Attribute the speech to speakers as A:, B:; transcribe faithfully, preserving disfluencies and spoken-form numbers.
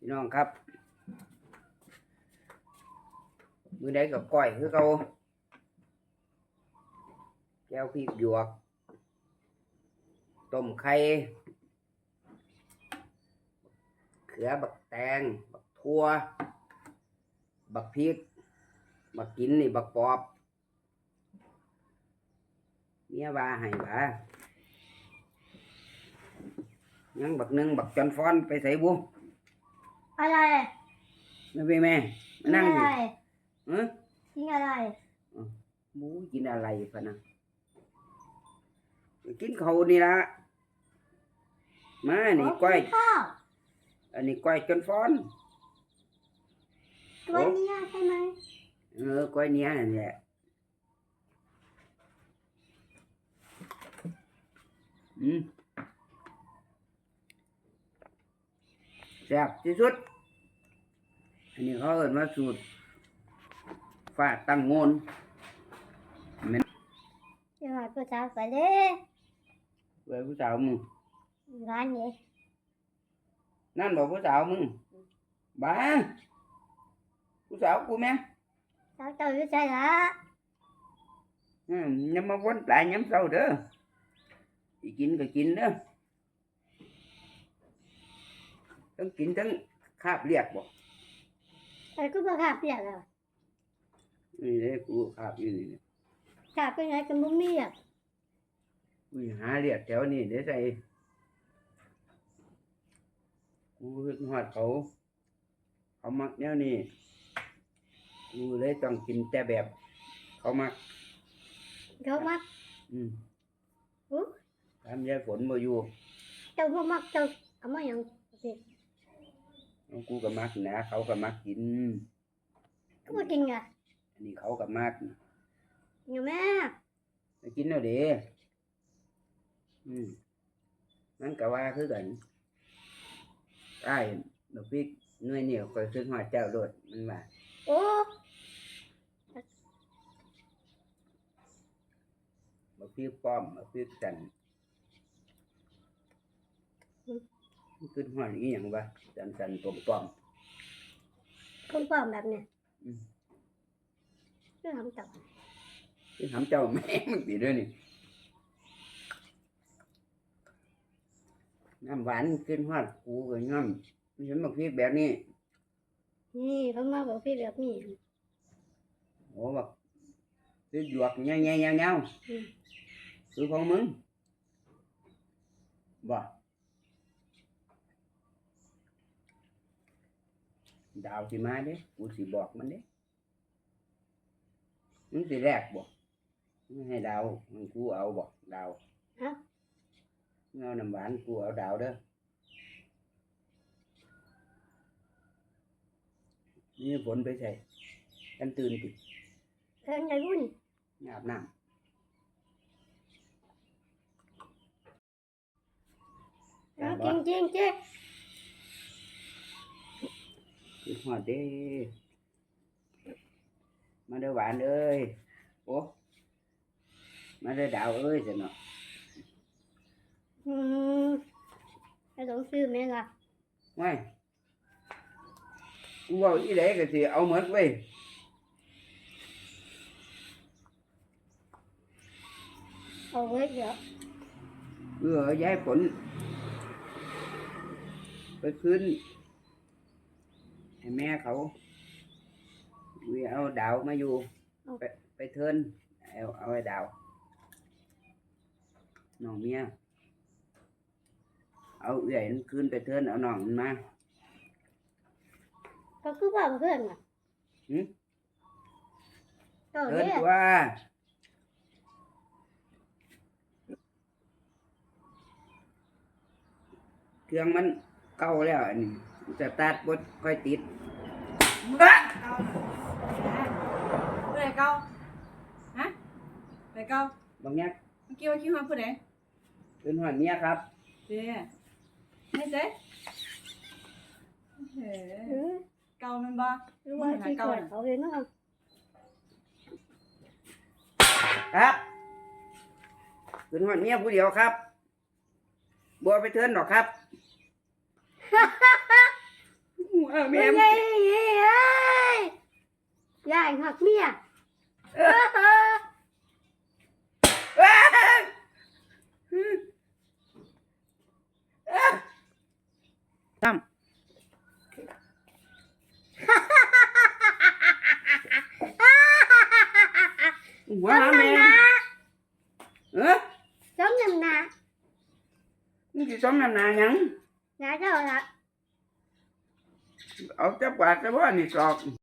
A: พี่น้องครับมื้อใดก็ก้อยคือเก่าแก้วพริกหยวกต้มไข่เขือบักแตงบักทั่วบักพริกบักกินนี่บักปอบเมียว่าให้ว่ายังบักนึงบักจอนฟ้อนไปใส่บุ
B: อะไร
A: ไม่ไปแม่มานั่งดิเออ
B: กินอะไร
A: บูกินอะไรพะนะกินเขานี่ละมานี่ก้อยอันนี้ก้อยจนฟ้อน
B: ก้อยเนี้ยใช่ไหม
A: เออก้อยเนี้ยนั่นแหละอืมแซ่บที่สุดอันนี้เขาเอิ้นว่าสูตรฟาดตั้งโงน
B: เดี๋ยวผู้สาวไปเด้
A: เว้ยผู้สาวมึง
B: ร้านนี้
A: นั่นบอกผู้สาวมึงบ้าผู้สาวกูแม่
B: สาวเจ้าอยู่ใจละ
A: อืมยังมาวนปลายย้ำเศร้าเด้อสิกินก็กินเด้อทั้งกินทั้งคาบเรียกบ่
B: แต่กูบ่ขาดเปียกแล้ว
A: นี่เด้กูคาบอยู่นี่
B: ขาดไปไหนกันบ่มีอ่ะ
A: กูหาเรียกแถวนี้เด้ใส่กูคิดฮอดเขาเขามักแนวนี้กูเลยต้องกินแต่แบบเขามัก
B: เขามัก
A: อืม
B: อู้
A: ทำยายฝนบ่อยู่
B: เจ้าบ่มักเจ้าเอามาหยังสิ
A: กูก็มักนะเขาก็มักกิน
B: กูบ่กินอ่ะ
A: อันนี้เขาก็มัก
B: อยู่แม่
A: ไปกินแล้วเด้อืมมันก็ว่าคือกันใต้ดอกพริกหน่วยเหนียวก็ซื้อฮอดเจ้าโลดมันว่า
B: โอ้
A: ดอกพริกป้อมดอกพริกจันขึ้นฮอดอีหยังวะจันจันป้อมป้อม
B: ป้อมป้อมแบบเนี้ย
A: อืม
B: คือทำเจ้า
A: คือทำเจ้าแม่มันสิเด้อนี่น้ำหวานขึ้นฮอดกูก็ย่อมมันเห็นบักพริกแบบนี้
B: นี่เขามาบอกพี่แบบนี้
A: โอ้บักพริกหยวกแง่ๆๆๆคือของมึงบ่ดาวสิมาเด้กูสิบอกมันเด้มึงสิแรกบ่มึงให้ดาวมึงกูเอาบ่ดาว
B: ฮะ
A: เงาน้ำหวานกูเอาดาวเด้อนี่ฝนไปใส่กันตื่นติ
B: เพิ่นได้บุญ
A: อาบน้
B: ำจริงจริงเจ๊
A: คือหอดเด้มาเด้อหวานเอ้ยโอ้มาเด้อดาวเอ้ยสิเนาะ
B: อืมให้ต้องซื้อไหมล่ะ
A: ไม่กูว่าอีเด็กก็สิเอาหมดเว้ย
B: เอาไว้เดี๋ยว
A: เพื่อย้ายฝนไปคืนให้แม่เขาวิเอาดาวมาอยู่ไปไปเทินเอาเอาไอ้ดาวน้องเมียเอาเอื่อยมันคืนไปเทินเอาน้องมันมา
B: ก็คือว่าเพื่อนอ่ะ
A: หืม
B: เทิ
A: นตัวเครื่องมันเก่าแล้วอันนี้สตาร์ทบ่ค่อยติด
C: เบ้อเก่าผู้ใดเก่าฮะผู้ใดเก่า
A: บางอย่าง
C: เมื่อกี้ว่าคิดว่าผู้ใด
A: เป็นหัวเมียครับ
C: เด้ไม่เจ๊เฮ้เก่ามันบ่
B: รู้ว่าที่เกิดเขาเองนะครับ
A: ครับเป็นหัวเมียผู้เดียวครับบัวไปเทินหรอกครับหัวเออ
B: เมี
A: แม่
B: ยเอ้ยยายหักเมีย
A: เออเอ้ยตั้มหัวหาแม่เออ
B: Sống nằm nà
A: นี่สิสมน้ำหน้าหยัง
B: Nà rồi ạ
A: เอาจับกวาดซะบ่นี่สอก